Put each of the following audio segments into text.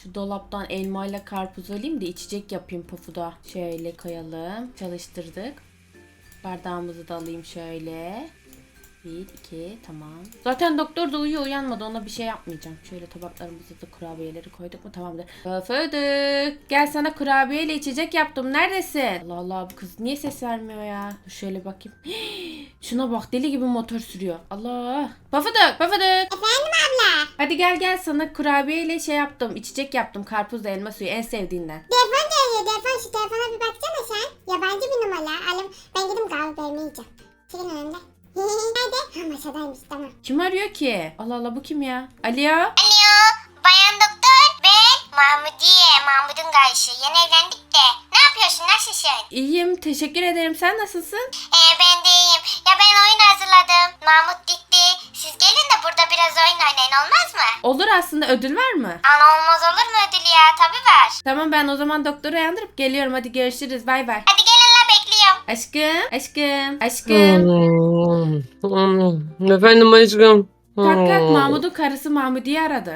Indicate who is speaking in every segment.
Speaker 1: Şu dolaptan elmayla karpuz alayım da içecek yapayım Pofu'da. Şöyle koyalım. Çalıştırdık. Bardağımızı da alayım şöyle. 1, 2, tamam. Zaten doktor da uyuyor, uyanmadı, ona bir şey yapmayacağım. Şöyle tabaklarımızı da kurabiyeleri koyduk mu tamamdır. Fıdık, gel sana kurabiyeyle içecek yaptım, neredesin? Allah Allah, bu kız niye ses vermiyor ya? Dur şöyle bakayım. Şuna bak, deli gibi motor sürüyor. Allah. Pafıdık.
Speaker 2: Efendim abla.
Speaker 1: Hadi gel sana kurabiyeyle şey yaptım, içecek yaptım, karpuzla elma suyu, en sevdiğinden.
Speaker 2: Telefon geliyor. Telefon, şu telefona bir baksana sen. Yabancı bir numara. Ben gidip kahve vermeyeceğim. Çıkın önümde. Nerede? Ha, masadaymış, tamam.
Speaker 1: Kim arıyor ki? Allah Allah, bu kim ya? Alo?
Speaker 3: Alo, bayan doktor. Ben Mahmudiye, Mahmud'un kardeşi. Yeni evlendik de. Ne yapıyorsun, nasılsın?
Speaker 1: İyiyim, teşekkür ederim. Sen nasılsın?
Speaker 3: Ben de iyiyim. Ya ben oyun hazırladım. Mahmut gitti. Siz gelin de burada biraz oyun oynayın, olmaz mı?
Speaker 1: Olur, aslında ödül var mı?
Speaker 3: Ana olmaz olur mu ödül ya? Tabii var.
Speaker 1: Tamam, ben o zaman doktoru uyandırıp geliyorum. Hadi görüşürüz. Bay bay.
Speaker 3: Hadi gelin la, bekliyorum.
Speaker 1: Aşkım.
Speaker 4: Efendim aşkım.
Speaker 1: Kalk, Mahmut'un karısı Mahmudiye aradı.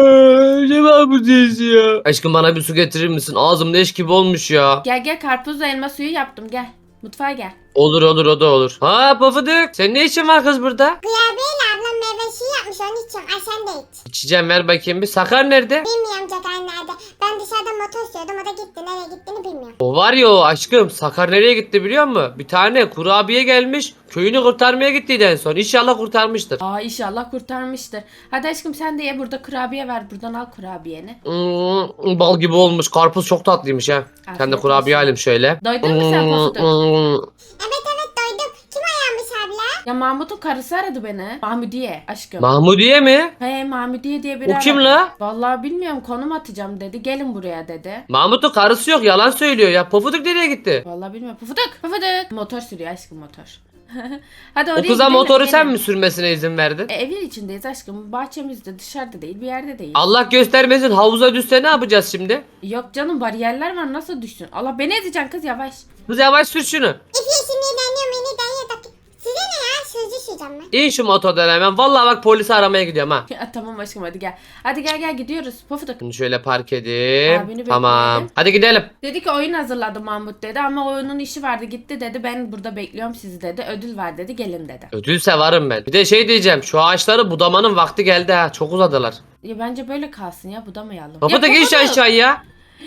Speaker 4: Ne var bu ses ya? Aşkım bana bir su getirir misin? Ağzım leş gibi olmuş ya.
Speaker 1: Gel karpuzla elma suyu yaptım, gel. Mutfağa gel.
Speaker 4: Olur o da olur. Ha Pofuduk, senin ne işin var kız burada?
Speaker 2: Kurabiyeyle ablam meyve suyu yapmış, onu içiyorum. Ay sen de iç.
Speaker 4: İçeceğim, ver bakayım bir. Sakar nerede?
Speaker 2: Bilmiyorum Cagan nerede. Ben dışarıda motor sürüyordum, o da gitti. Nereye gittiğini bilmiyorum.
Speaker 4: O var ya o aşkım. Sakar nereye gitti biliyor musun? Bir tane kurabiye gelmiş. Köyünü kurtarmaya gittiydi en son. İnşallah kurtarmıştır.
Speaker 1: Aa, inşallah kurtarmıştır. Hadi aşkım, sen de ye, burada kurabiye var. Buradan al kurabiyeni.
Speaker 4: Bal gibi olmuş. Karpuz çok tatlıymış ha.
Speaker 1: Afiyet
Speaker 4: Sen de kurabiye
Speaker 1: olsun.
Speaker 4: alayım şöyle.
Speaker 1: Doydun mu sen Pofuduk?
Speaker 2: Evet doydum. Kim ayağmış abla?
Speaker 1: Ya Mahmut'un karısı aradı beni. Mahmudiye aşkım.
Speaker 4: Mahmudiye mi?
Speaker 1: Hey, Mahmudiye diye biri
Speaker 4: O kim
Speaker 1: aradı.
Speaker 4: la?
Speaker 1: Vallahi bilmiyorum, konum atacağım dedi. Gelin buraya dedi.
Speaker 4: Mahmut'un karısı yok, yalan söylüyor ya. Pofuduk nereye gitti?
Speaker 1: Vallahi bilmiyorum. Pufuduk. Motor sürüyor aşkım, motor. Hadi
Speaker 4: O
Speaker 1: oraya
Speaker 4: kıza
Speaker 1: gidelim,
Speaker 4: motoru sen
Speaker 1: gelin.
Speaker 4: mi sürmesine izin verdin?
Speaker 1: Evin içindeyiz aşkım. Bahçemizde, dışarıda değil, bir yerde değil.
Speaker 4: Allah göstermesin, havuza düşse ne yapacağız şimdi?
Speaker 1: Yok canım, bariyerler var, nasıl düşsün? Allah, beni ezeceksin kız, yavaş.
Speaker 4: Kız yavaş sür şunu.
Speaker 2: İpi sinirleniyorum, beni dayıyor da. Size ne ya? Sözcü süreceğim ben.
Speaker 4: İn şu motordan hemen. Vallahi bak polisi aramaya gidiyorum ha.
Speaker 1: Ya, tamam aşkım, hadi gel. Hadi gel gidiyoruz. Pufuduk.
Speaker 4: Şimdi şöyle park edeyim.
Speaker 1: Abini
Speaker 4: Tamam.
Speaker 1: bekleyelim.
Speaker 4: Hadi gidelim.
Speaker 1: Dedi ki oyun hazırladı Mahmut dedi, ama oyunun işi vardı, gitti dedi. Ben burada bekliyorum sizi dedi. Ödül var dedi, gelin dedi.
Speaker 4: Ödülse varım ben. Bir de şey diyeceğim. Şu ağaçları budamanın vakti geldi ha. Çok uzadılar.
Speaker 1: Ya bence böyle kalsın ya, budamayalım.
Speaker 4: Baba da
Speaker 1: Ya
Speaker 4: geç
Speaker 1: Pufuduk,
Speaker 4: aşağıya.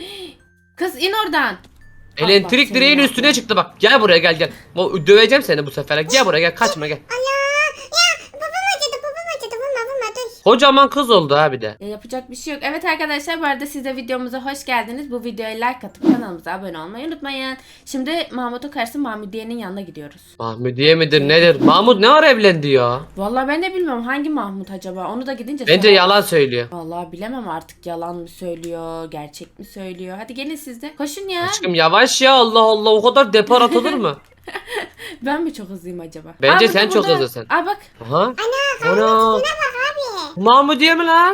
Speaker 1: kız in oradan.
Speaker 4: Elektrik
Speaker 1: Allah
Speaker 4: direğin
Speaker 1: seni
Speaker 4: üstüne
Speaker 1: ya.
Speaker 4: çıktı bak. Gel buraya gel. Döveceğim seni bu sefer. Gel buraya gel. Kaçma gel.
Speaker 2: Allah! Ya babam acıdı. Vurma dur.
Speaker 4: Kocaman kız oldu ha bir de.
Speaker 1: Yapacak bir şey yok. Evet arkadaşlar, bu arada siz de videomuza hoş geldiniz. Bu videoya like atıp kanalımıza abone olmayı unutmayın. Şimdi Mahmut'un karısı Mahmudiye'nin yanına gidiyoruz.
Speaker 4: Mahmudiye midir nedir? Mahmut ne ara evlendi ya?
Speaker 1: Vallahi ben de bilmiyorum, hangi Mahmut acaba? Onu da gidince
Speaker 4: Bence
Speaker 1: sorarız.
Speaker 4: yalan söylüyor.
Speaker 1: Vallahi bilemem artık, yalan mı söylüyor, gerçek mi söylüyor? Hadi gelin siz de. Koşun ya.
Speaker 4: Aşkım yavaş ya, Allah Allah, o kadar depar atılır mı?
Speaker 1: Ben mi çok hızlıyım acaba?
Speaker 4: Bence
Speaker 1: burada,
Speaker 4: sen çok
Speaker 1: burada.
Speaker 4: hızlısın.
Speaker 1: Aa bak.
Speaker 4: Aha. Ana.
Speaker 2: Bak abi.
Speaker 4: Mahmudiye mi lan?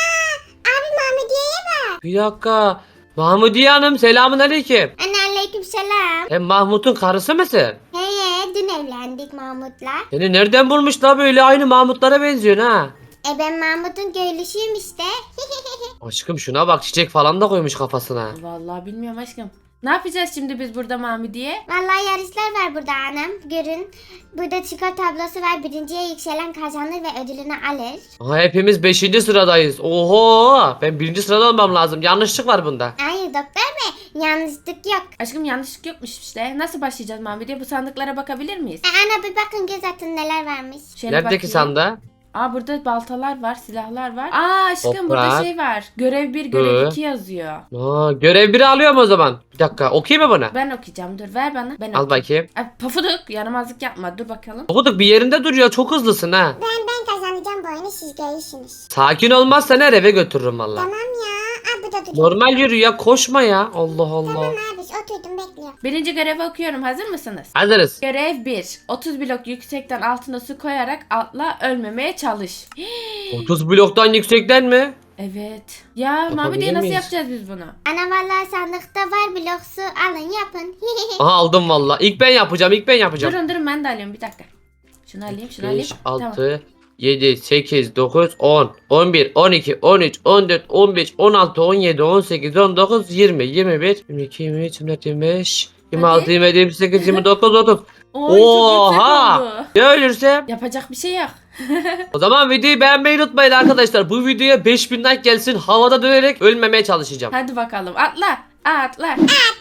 Speaker 2: Abi Mahmudiye'ye bak.
Speaker 4: Bir dakika. Mahmudiye Hanım, selamun aleyküm.
Speaker 3: Aleyküm selam.
Speaker 4: Sen Mahmut'un karısı mısın?
Speaker 3: Dün evlendik Mahmut'la.
Speaker 4: Seni nereden bulmuş la, böyle aynı Mahmutlara benziyorsun ha.
Speaker 3: Ben Mahmut'un köylüsüyüm işte.
Speaker 4: Aşkım şuna bak, çiçek falan da koymuş kafasına.
Speaker 1: Vallahi bilmiyorum aşkım. Ne yapacağız şimdi biz burada Mahmudiye?
Speaker 3: Vallahi yarışlar var burada anam. Görün. Burada skor tablosu var. Birinciye yükselen kazanır ve ödülünü alır.
Speaker 4: Aha, hepimiz 5. sıradayız. Oho, ben 1. sırada olmam lazım. Yanlışlık var bunda.
Speaker 3: Hayır doktor bey. Yanlışlık yok.
Speaker 1: Aşkım yanlışlık yokmuş işte. Nasıl başlayacağız Mahmudiye? Bu sandıklara bakabilir miyiz?
Speaker 3: Ana bir bakın göz atın neler varmış.
Speaker 1: Şöyle
Speaker 4: Neredeki
Speaker 1: bakayım.
Speaker 4: sanda?
Speaker 1: Aa, burada baltalar var, silahlar var. Aa aşkım, burada
Speaker 4: Toprak.
Speaker 1: şey var. Görev 1, görev
Speaker 4: Hı.
Speaker 1: 2 yazıyor.
Speaker 4: Aa, görev 1'i alıyorum o zaman. Bir dakika, okuyayım mı buna?
Speaker 1: Ben okuyacağım, dur ver bana. Ben
Speaker 4: Al
Speaker 1: okuyayım.
Speaker 4: bakayım.
Speaker 1: Ay, Pofuduk, yaramazlık yapma, dur bakalım.
Speaker 4: Okuduk, bir yerinde duruyor, çok hızlısın ha.
Speaker 2: Ben kazanacağım bu oyunu, siz görürsünüz.
Speaker 4: Sakin olmazsan her eve götürürüm valla.
Speaker 2: Tamam ya. Abi bu da duruyor.
Speaker 4: Normal yürü ya, koşma ya. Allah Allah.
Speaker 2: Tamam abi, oturdum bekliyorum.
Speaker 1: Birinci görevi okuyorum, hazır mısınız?
Speaker 4: Hazırız.
Speaker 1: Görev 1. 30 blok yüksekten altına su koyarak atla, ölmemeye çalış.
Speaker 4: 30 bloktan yüksekten mi?
Speaker 1: Evet. Ya
Speaker 4: Yapabilir
Speaker 1: Mahmudiye, nasıl
Speaker 4: miyiz?
Speaker 1: yapacağız biz bunu?
Speaker 3: Ana vallahi sandıkta var blok su. Alın yapın.
Speaker 4: Aha, aldım valla. İlk ben yapacağım.
Speaker 1: Durun ben de alıyorum, bir dakika. Şunu alayım, şunu alayım.
Speaker 4: 5,
Speaker 1: Tamam.
Speaker 4: 6, 7, 8, 9, 10, 11, 12, 13, 14, 15, 16, 17, 18, 19, 20, 21, 22, 23, 24, 25, 26,
Speaker 1: Hadi.
Speaker 4: 27, 28, 29, 30.
Speaker 1: Oy, çok yüksek
Speaker 4: Oha!
Speaker 1: oldu.
Speaker 4: Ya ölürsem?
Speaker 1: Yapacak bir şey yok.
Speaker 4: O zaman videoyu beğenmeyi unutmayın arkadaşlar. Bu videoya 5000 like gelsin. Havada dönerek ölmemeye çalışacağım.
Speaker 1: Hadi bakalım atla. Atla.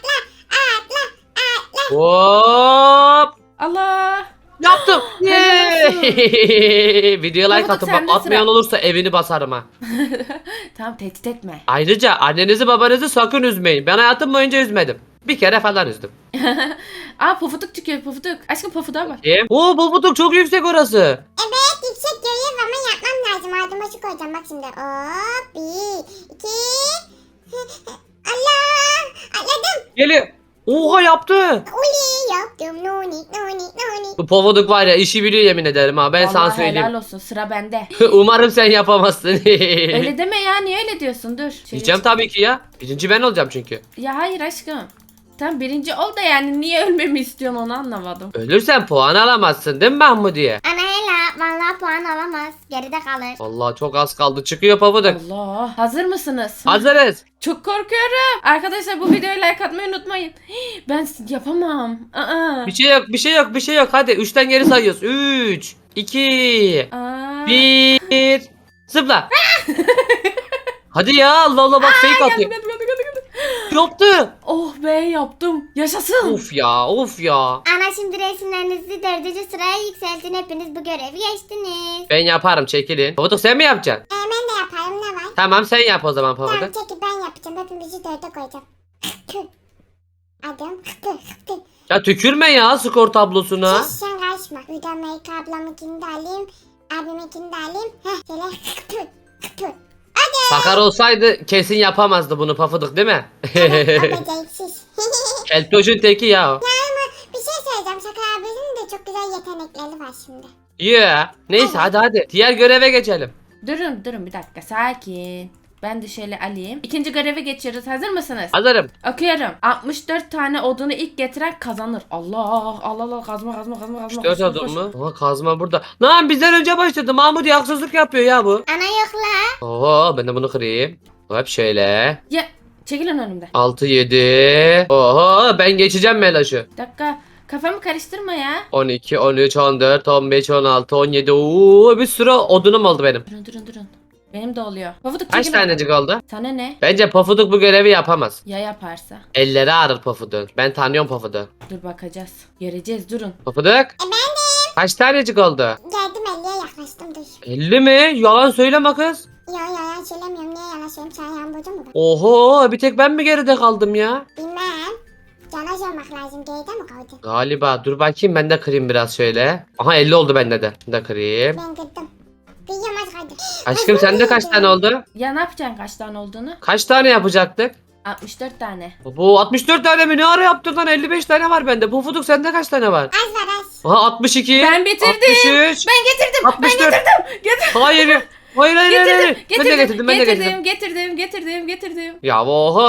Speaker 4: Hop!
Speaker 1: Allah.
Speaker 4: Yaptım.
Speaker 1: Helal olsun.
Speaker 4: Videoya like
Speaker 1: Pofuduk,
Speaker 4: atın. Bak
Speaker 1: sende
Speaker 4: atmayan
Speaker 1: sıra.
Speaker 4: olursa evini basarım ha.
Speaker 1: Tamam tehdit etme.
Speaker 4: Ayrıca annenizi babanızı sakın üzmeyin. Ben hayatım boyunca üzmedim. Bir kere falan üzdüm.
Speaker 1: Aa pofuduk çıkıyor pofuduk. Aşkım pofuduğa bak.
Speaker 4: Kim? Oo Bobuduk çok yüksek orası.
Speaker 2: Evet yüksek görev ama yapmam lazım. Adım başı koyacağım bak şimdi. Hop 1, 2. Allah. Atladım.
Speaker 4: Geliyor. Oha yaptı.
Speaker 2: Uli yaptım. Nonik nonik nonik.
Speaker 4: Bu Pofuduk var ya işi biliyor yemin ederim ha. Ben sana
Speaker 1: Vallahi
Speaker 4: söyleyeyim.
Speaker 1: helal olsun sıra bende.
Speaker 4: Umarım sen yapamazsın.
Speaker 1: Öyle deme ya niye öyle diyorsun dur. Şöyle
Speaker 4: Diyeceğim tabii ki ya. Birinci ben olacağım çünkü.
Speaker 1: Ya hayır aşkım. Tam birinci ol da yani niye ölmemi istiyorsun onu anlamadım.
Speaker 4: Ölürsen puan alamazsın değil mi Mahmudiye?
Speaker 3: Ana hela vallahi puan alamaz. Geride kalır.
Speaker 4: Vallahi çok az kaldı. Çıkıyor Pofuduk.
Speaker 1: Allah. Hazır mısınız?
Speaker 4: Hazırız.
Speaker 1: Çok korkuyorum. Arkadaşlar bu videoya like atmayı unutmayın. Ben yapamam. Aa.
Speaker 4: Bir şey yok, bir şey yok, bir şey yok. Hadi 3'ten geri sayıyoruz. 3, 2,
Speaker 1: Aa.
Speaker 4: 1. Zıpla. Hadi ya Allah Allah bak fake atıyor. Yaptı.
Speaker 1: Oh be yaptım. Yaşasın.
Speaker 4: Of ya, of ya.
Speaker 3: Ana şimdi resimlerinizi 4. sıraya yükseltin. Hepiniz bu görevi geçtiniz.
Speaker 4: Ben yaparım çekilin. Pofuduk sen mi yapacaksın?
Speaker 2: Ben de yaparım ne var?
Speaker 4: Tamam sen yap o zaman
Speaker 2: Tamam
Speaker 4: Pofuduk.
Speaker 2: çekil ben yapacağım. Hepimizi dörde koyacağım. Adım.
Speaker 4: Ya tükürme ya skor tablosuna.
Speaker 2: Siz sen karışma. Buradan Melike ablamınkini de alayım. Abiminkini de alayım. Heh şöyle.
Speaker 4: Sakar olsaydı kesin yapamazdı bunu Pofuduk değil mi?
Speaker 2: Ama beceriksiz.
Speaker 4: Keltoşun teki ya. o.
Speaker 2: Bir şey söyleyeceğim. Sakar abinin de çok güzel yetenekleri var şimdi.
Speaker 4: Yeah. Neyse hadi. Diğer göreve geçelim.
Speaker 1: Durun bir dakika sakin. Ben de şöyle alayım. İkinci göreve geçiyoruz. Hazır mısınız?
Speaker 4: Hazırım.
Speaker 1: Okuyorum. 64 tane odunu ilk getiren kazanır. Allah kazma.
Speaker 4: 4 adım mı? Ama kazma burada. Lan bizden önce başladı. Mahmut haksızlık yapıyor ya bu.
Speaker 3: Ana yok la.
Speaker 4: Oo ben de bunu kırayım. Hop şöyle.
Speaker 1: Ya çekilin önümden.
Speaker 4: 6 7. Oho ben geçeceğim Melaş'ı.
Speaker 1: Bir dakika. Kafamı karıştırma ya.
Speaker 4: 12 13 14 15 16 17. Oo bir sürü odunum oldu benim.
Speaker 1: Durun. Benim de oluyor. Pofuduk
Speaker 4: Kaç
Speaker 1: çekil.
Speaker 4: tanecik oldu?
Speaker 1: Sana ne?
Speaker 4: Bence Pofuduk bu görevi yapamaz.
Speaker 1: Ya yaparsa?
Speaker 4: Elleri ağrır Pofuduk. Ben tanıyorum Pofuduk.
Speaker 1: Dur bakacağız. Göreceğiz durun.
Speaker 4: Pofuduk. Kaç tanecik oldu?
Speaker 2: Geldim 50'ye yaklaştım dur.
Speaker 4: 50 mi? Yalan söyleme kız.
Speaker 2: Yalan söylemiyorum. Niye yalan söyleyeyim? Sen yan burcu mu?
Speaker 4: Oho bir tek ben mi geride kaldım ya?
Speaker 2: Bilmem. Yalan söylemek lazım. Geride mi kaldı?
Speaker 4: Galiba dur bakayım ben de kırayım biraz şöyle. Aha 50 oldu bende de. Ben de kırayım.
Speaker 2: Ben kırdım. Bir yamaç kaldı.
Speaker 4: Aşkım sende kaç tane oldu?
Speaker 1: Ya ne yapacaksın kaç tane olduğunu?
Speaker 4: Kaç tane yapacaktık?
Speaker 1: 64 tane.
Speaker 4: Bu 64 tane mi? Ne ara yaptın lan? 55 tane var bende. Pufuduk sende kaç tane var?
Speaker 2: Az var az.
Speaker 4: Aha 62.
Speaker 1: Ben bitirdim.
Speaker 4: 63.
Speaker 1: Ben getirdim.
Speaker 4: 64.
Speaker 1: Getirdim.
Speaker 4: Hayır. Hayır. Ben de getirdim. Ben de getirdim.
Speaker 1: Getirdim.
Speaker 4: Ya oha.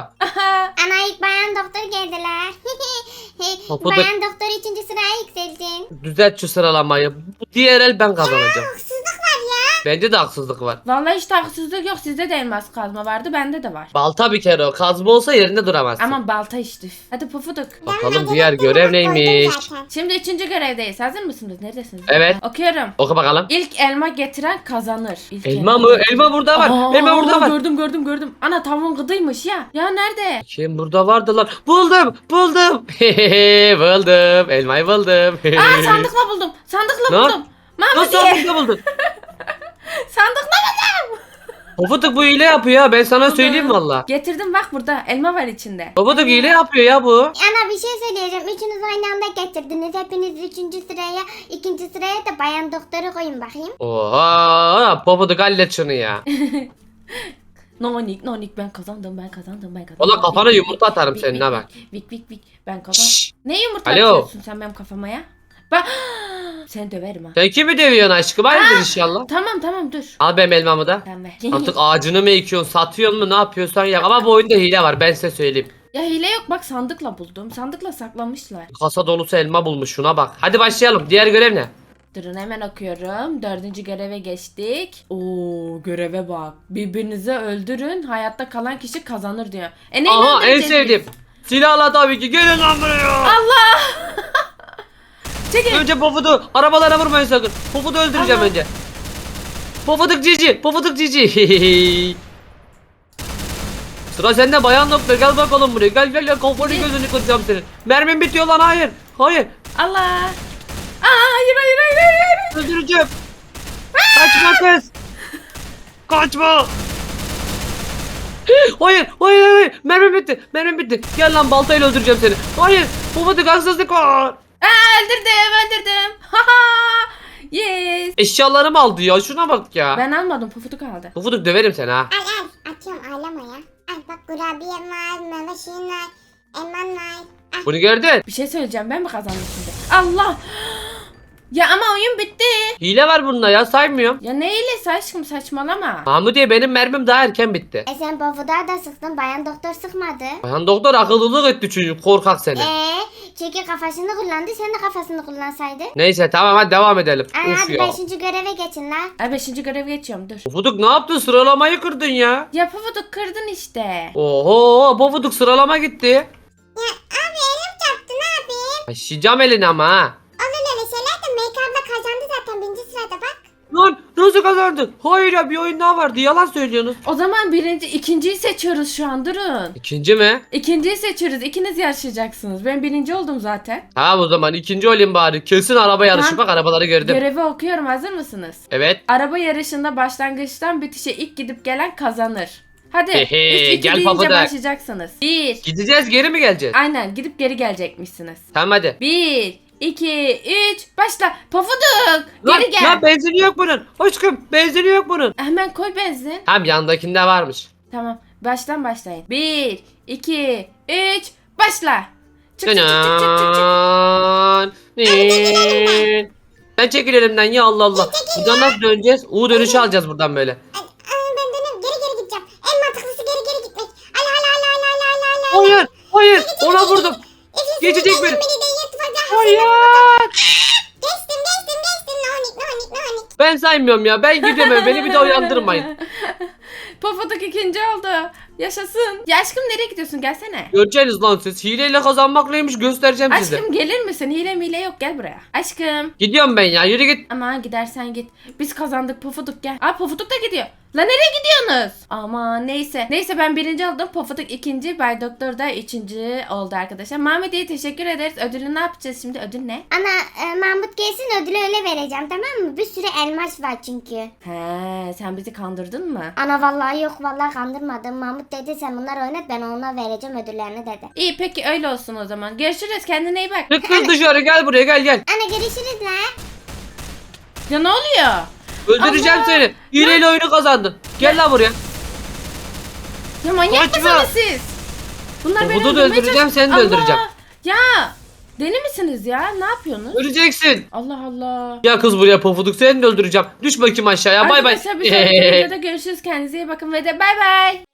Speaker 1: Aha.
Speaker 3: Ana ilk bayan doktor geldiler.
Speaker 4: Pofuduk.
Speaker 3: Bayan doktor 3. sıraya yükseltin.
Speaker 4: Düzelt şu sıralamayı. Bu diğer el ben kazanacağım.
Speaker 2: Haksızlık var ya.
Speaker 4: Bende de haksızlık var.
Speaker 1: Vallahi hiç haksızlık yok. Sizde de elmas kazma vardı. Bende de var.
Speaker 4: Balta bir kere o. Kazma olsa yerinde duramazsın.
Speaker 1: Ama balta işte. Hadi Pufuduk.
Speaker 4: Bakalım diğer görev neymiş?
Speaker 1: Şimdi 3. görevdeyiz. Hazır mısınız? Neredesiniz?
Speaker 4: Evet.
Speaker 1: Okuyorum.
Speaker 4: Oku bakalım.
Speaker 1: İlk elma getiren kazanır. İlk
Speaker 4: Elma mı? Elma burada var.
Speaker 1: Aa,
Speaker 4: Elma burada var.
Speaker 1: Gördüm. Ana tavuğun gıdıymış ya. Ya nerede?
Speaker 4: Kim burada vardı lan? Buldum. Buldum. Elmayı buldum.
Speaker 1: Aa sandıkla buldum.
Speaker 4: Ne?
Speaker 1: buldum.
Speaker 4: Nasıl
Speaker 1: Mahmudiye.
Speaker 4: sandıkta buldun?
Speaker 1: Sandıkla buldum.
Speaker 4: Pofuduk bu hile yapıyor ya. Ben sana söyleyeyim valla.
Speaker 1: Getirdim bak burada. Elma var içinde.
Speaker 4: Pofuduk hile yapıyor ya bu.
Speaker 3: Ana bir şey söyleyeceğim. Üçünüz aynı anda getirdiniz. Hepiniz 3. sıraya, 2. sıraya da bayan doktoru koyun bakayım.
Speaker 4: Oha. Pofuduk hallet şunu ya.
Speaker 1: Nonik ben kazandım.
Speaker 4: Ola kafana yumurta atarım
Speaker 1: Vik,
Speaker 4: senin ha bak.
Speaker 1: Vik ben kazandım.
Speaker 4: Şşş.
Speaker 1: Ne yumurta
Speaker 4: Alo.
Speaker 1: atıyorsun sen benim kafama ya? Bak seni döverim ha.
Speaker 4: Sen kimi dövüyorsun aşkım? Hayırdır inşallah.
Speaker 1: Tamam dur.
Speaker 4: Al benim elmamı da.
Speaker 1: Sen ver.
Speaker 4: Artık ağacını mı ekiyorsun, satıyorsun mu, ne yapıyorsan yap. Ama bu oyunda hile var ben size söyleyeyim.
Speaker 1: Ya hile yok bak sandıkla buldum. Sandıkla saklamışlar.
Speaker 4: Kasa dolusu elma bulmuş şuna bak. Hadi başlayalım. Diğer görev ne?
Speaker 1: Durun hemen okuyorum. 4. göreve geçtik. Oo göreve bak. Birbirinizi öldürün. Hayatta kalan kişi kazanır diyor. Neyle
Speaker 4: Aha en
Speaker 1: öldüreceğiz
Speaker 4: sevdiğim.
Speaker 1: biz?
Speaker 4: Silahla tabii ki. Gelin lan buraya.
Speaker 1: Allah! Çekil.
Speaker 4: Önce Pofud'u arabalara vurmayın sakın. Pofud'u öldüreceğim
Speaker 1: Allah.
Speaker 4: önce. Pofuduk cici. Pofuduk cici. Sıra sende bayan doktor. Gel bakalım buraya. Gel gel gel. Kafanı gözünü kıracağım senin. Mermin bitiyor lan. Hayır. Hayır.
Speaker 1: Allah. Hayır hayır hayır hayır.
Speaker 4: Öldüreceğim. Kaçma kız. Kaçma. Hayır, hayır, hayır. Mermi bitti. Mermi bitti. Gel lan baltayla öldüreceğim seni. Hayır. Pofuduk haksızlık var.
Speaker 1: Öldürdüm. Haha. Yes.
Speaker 4: Eşyalarımı aldı ya. Şuna bak ya.
Speaker 1: Ben almadım. Pufuduk aldı.
Speaker 4: Pofuduk döverim seni ha.
Speaker 2: Al atıyorum ağlama ya. Al bak kurabiyem var, meyve suyun var, elman var. Al.
Speaker 4: Bunu gördün.
Speaker 1: Bir şey söyleyeceğim. Ben mi kazandım şimdi? Allah. Ya ama oyun bitti.
Speaker 4: Hile var bunda ya. Saymıyorum.
Speaker 1: Ya ne iyilesi aşkım saçmalama.
Speaker 4: Mahmudiye benim mermim daha erken bitti.
Speaker 2: Sen Pofuduk'a da sıktın, bayan doktor sıkmadı.
Speaker 4: Bayan doktor akıllılık etti çocuk. Korkak seni.
Speaker 2: Çünkü kafasını kullandı, sen de kafasını kullansaydın.
Speaker 4: Neyse tamam hadi devam edelim. Uf
Speaker 2: Hadi
Speaker 4: ya.
Speaker 2: 5. göreve geçin lan.
Speaker 1: Ay 5. görev geçiyorum dur.
Speaker 4: Pofuduk ne yaptın? Sıralamayı kırdın ya.
Speaker 1: Ya Pufuduk kırdın işte.
Speaker 4: Oho Pofuduk sıralama gitti.
Speaker 2: Ya abi elim çarptı, ne yapayım?
Speaker 4: Taşıyacağım elini ama ha.
Speaker 2: Olur öyle şeyler de Make abla kazandı zaten 1. sırada bak.
Speaker 4: Lan nasıl kazandın? Hayır ya bir oyun daha vardı. Yalan söylüyorsunuz.
Speaker 1: O zaman ikinciyi seçiyoruz şu an durun.
Speaker 4: İkinci mi?
Speaker 1: İkinciyi seçiyoruz. İkiniz yarışacaksınız. Ben birinci oldum zaten.
Speaker 4: Tamam o zaman ikinci olayım bari. Kesin araba yarışı.
Speaker 1: Tamam.
Speaker 4: Bak arabaları gördüm.
Speaker 1: Görevi okuyorum. Hazır mısınız?
Speaker 4: Evet.
Speaker 1: Araba yarışında başlangıçtan bitişe ilk gidip gelen kazanır. Hadi.
Speaker 4: Hehe,
Speaker 1: 3 2
Speaker 4: gel
Speaker 1: deyince
Speaker 4: Pufuduk.
Speaker 1: başlayacaksınız. 1.
Speaker 4: Gideceğiz geri mi geleceğiz?
Speaker 1: Aynen gidip geri gelecekmişsiniz.
Speaker 4: Tamam hadi.
Speaker 1: 1 2 3 başla. Pofuduk.
Speaker 4: Lan,
Speaker 1: Geri gel.
Speaker 4: lan benzini yok bunun. Aşkım benzini yok bunun.
Speaker 1: Hemen koy benzin.
Speaker 4: Tamam yandakinde varmış.
Speaker 1: Tamam. Baştan başlayın. 1 2 3 başla. Çık çık çık çık çık çık.
Speaker 4: Canan. Ben çekil elimden ya Allah Allah. Buradan nasıl döneceğiz? U dönüşü alacağız buradan böyle.
Speaker 2: Ben dönüyorum, geri gideceğim. En mantıklısı geri gitmek. Al.
Speaker 4: Hayır hayır ona vurdum. Geçecek beni. Hayır.
Speaker 2: Geçtim. Nonik.
Speaker 4: Ben saymıyorum ya. Ben gidiyorum. Beni bir daha uyandırmayın.
Speaker 1: Pofuduk ikinci oldu. Yaşasın. Ya aşkım nereye gidiyorsun? Gelsene.
Speaker 4: Göreceğiniz lan siz. Hileyle kazanmak neymiş göstereceğim size.
Speaker 1: Aşkım gelir misin? Hile mile yok gel buraya. Aşkım.
Speaker 4: Gidiyorum ben ya. Yürü git.
Speaker 1: Ama gidersen git. Biz kazandık Pofuduk gel. Aa Pofuduk da gidiyor. La nereye gidiyorsunuz? Aman neyse. Neyse ben birinci oldum. Pofuduk ikinci. Bay Doktor da üçüncü oldu arkadaşlar. Mahmediye teşekkür ederiz. Ödülü ne yapacağız şimdi? Ödül ne?
Speaker 2: Ana Mahmut gelsin ödülü öyle vereceğim, tamam mı? Bir sürü elmas var çünkü.
Speaker 1: He sen bizi kandırdın mı?
Speaker 2: Ana vallahi yok, vallahi kandırmadım. Mahmut dedi sen bunları oynat, ben ona vereceğim ödüllerini dedi.
Speaker 1: İyi peki öyle olsun o zaman. Görüşürüz. Kendine iyi bak.
Speaker 4: Çık kız dışarı. Gel buraya gel gel.
Speaker 2: Ana görüşürüz la.
Speaker 1: Ya ne oluyor?
Speaker 4: Öldüreceğim
Speaker 1: Allah.
Speaker 4: seni. Hileyle oyunu kazandın. Gel lan buraya.
Speaker 1: Ya manyak
Speaker 4: Kaçma.
Speaker 1: mısınız siz? Bunlar beni
Speaker 4: Pofuduk'u da
Speaker 1: öldürmeye
Speaker 4: öldüreceğim,
Speaker 1: çalış-
Speaker 4: seni de
Speaker 1: Allah!
Speaker 4: öldüreceğim.
Speaker 1: Ya deli misiniz ya? Ne yapıyorsunuz?
Speaker 4: Öleceksin.
Speaker 1: Allah Allah.
Speaker 4: Ya kız buraya Pofuduk. Seni de öldüreceğim. Düş bakayım aşağıya. Bay bay.
Speaker 1: Arkadaşlar bir sonraki videoda görüşürüz. Kendinize iyi bakın ve de bay bay.